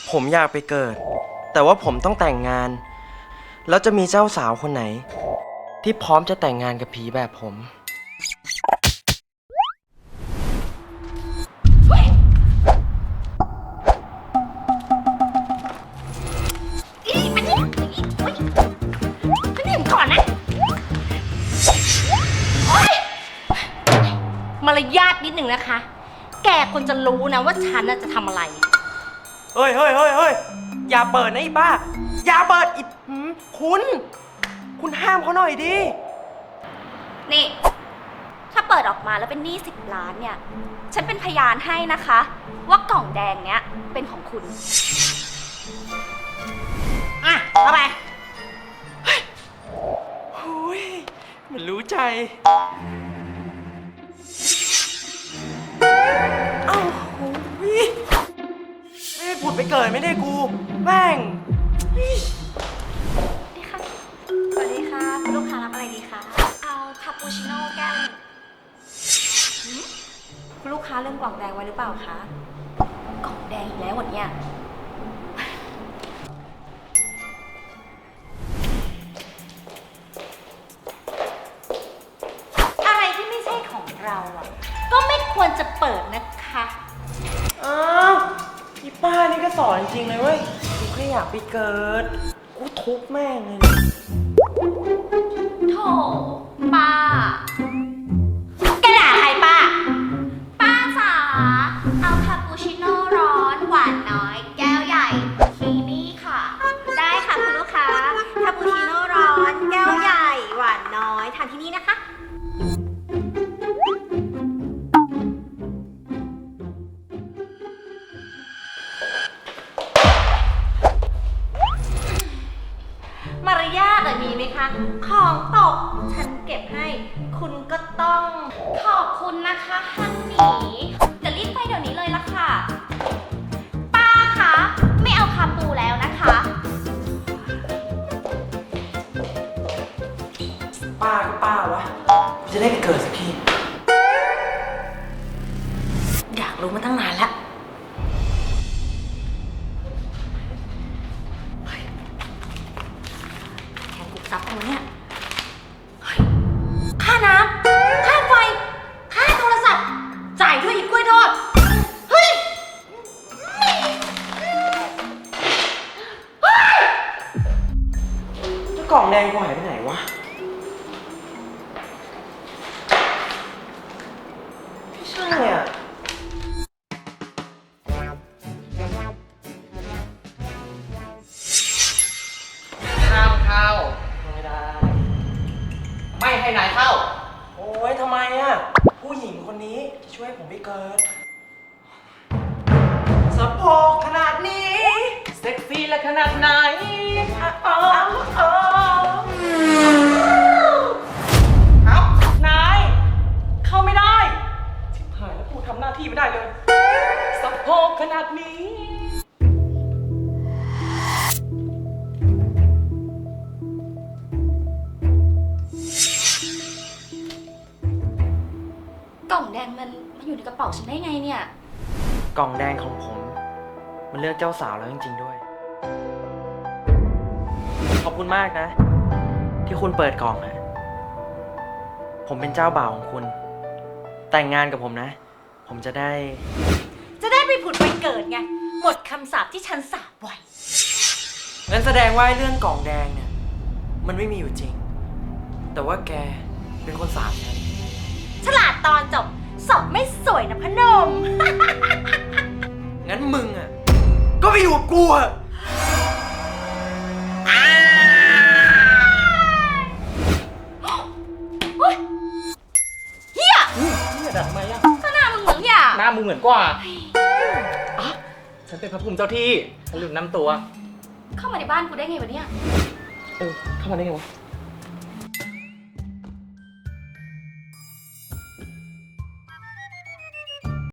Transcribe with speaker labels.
Speaker 1: ผมอยากไปเกิด แต่ว่าผมต้องแต่งงาน แล้วจะมีเจ้าสาวคนไหน ที่พร้อมจะแต่งงานกับผีแบบผม
Speaker 2: ก่อนนะมารยาทนิดหนึ่งนะคะ แกควรจะรู้นะว่าฉันจะทำอะไร
Speaker 1: เฮ้ยอย่าเปิดนะอีป้า อย่าเปิดอีคุณห้ามเขาหน่อยดิ
Speaker 2: นี่ ถ้าเปิดออกมาแล้วเป็นหนี้10 ล้านเนี่ย ฉันเป็นพยานให้นะคะ ว่ากล่องแดงเนี้ยเป็นของคุณ อ่ะเอาไป
Speaker 1: มันรู้ใจ เอ้าโอ้ยไม่ได้ผุดไปเกิดไม่ได้กูแม่ง
Speaker 2: ดีค่ะ สวัสดีค่ะคุณลูกค้ารับอะไรดีคะ เอาคาปูชิโน่แก้วคุณลูกค้าเริ่มกล่องแดงไว้หรือเปล่าคะ กล่องแดงอีกแล้ววันเนี้ยอะไรที่ไม่ใช่ของเราก็ไม่ควรจะเปิดนะคะ
Speaker 1: อ้าวอีป้านี่ก็สอนจริงเลยเว้ย กูแค่อยากไปเกิด กูทุบแม่งเลย
Speaker 2: โถป้าแกด่าใครป้า ป้าจ๋าเอาคาปูชิโน่ร้อนหวานน้อยแก้วใหญ่ทีนี่ค่ะ ได้ค่ะคุณลูกค้าคาปูชิโน่ร้อนแก้วใหญ่หวานน้อยทานที่นี่นะคะมารยาทมีไหมคะ ของตกฉันเก็บให้ คุณก็ต้องขอบคุณนะคะฮันนี่จะรีบไปเดี๋ยวนี้เลยละค่ะ ป้าคะไม่เอาคาปูแล้วนะคะ
Speaker 1: ป้าก็ป้าวะ กูจะได้ไปเกิดสักที
Speaker 2: อยากรู้มาตั้งนานแล้วแทนกุกซับเอาเนี่ยค่าน้ำ ค่าไฟ ค่าโทรศัพท์ จ่ายด้วยอีกกล้วยทอด เฮ้ย
Speaker 1: เจ้ากล่องแดงกูหายไปไหนวะ ไม่ใช่อ่ะ
Speaker 3: ห้ามเข้า
Speaker 1: ไม่ได้
Speaker 3: ไม่ให้นายเข้า
Speaker 1: โอ้ยทำไมอ่ะ ผู้หญิงคนนี้จะช่วยผมไปเกิดสะโพกขนาดนี้
Speaker 3: เซ็กซี่และขนาดไหน
Speaker 1: ครับ นาย เข้าไม่ได้ ชิบหายแล้วกูทำหน้าที่ไม่ได้เลย
Speaker 3: สะโพกขนาดนี้
Speaker 2: กล่องแดงมันอยู่ในกระเป๋าฉันได้ไงเนี่ย
Speaker 1: กล่องแดงของผม มันเลือกเจ้าสาวแล้วจริงๆด้วย ขอบคุณมากนะ ที่คุณเปิดกล่องอะผมเป็นเจ้าบ่าวของคุณ แต่งงานกับผมนะ ผมจะได้
Speaker 2: ไปผุดไปเกิดไง หมดคำสาปที่ฉันสาปไว้
Speaker 1: งั้นแสดงว่าเรื่องกล่องแดงเนี่ยมันไม่มีอยู่จริง แต่ว่าแกเป็นคนสาปฉัน
Speaker 2: ฉลาดตอนจบสอบไม่สวยนะพนม
Speaker 1: งั้นมึงอ่ะก็ไปอยู่กับกูอ่ะ
Speaker 2: เฮีย
Speaker 3: นี่ดัดทำไมอะ
Speaker 2: ก็หน้ามึงเหมือนเฮีย
Speaker 3: หน้ามึงเหมือนกว่าอ่ะฉันเป็นพระภูมิเจ้าที่ฉันลืมน้ำตัว
Speaker 2: เข้ามาในบ้านกูได้ไงวะเนี่ย
Speaker 3: เข้ามาได้ไงวะ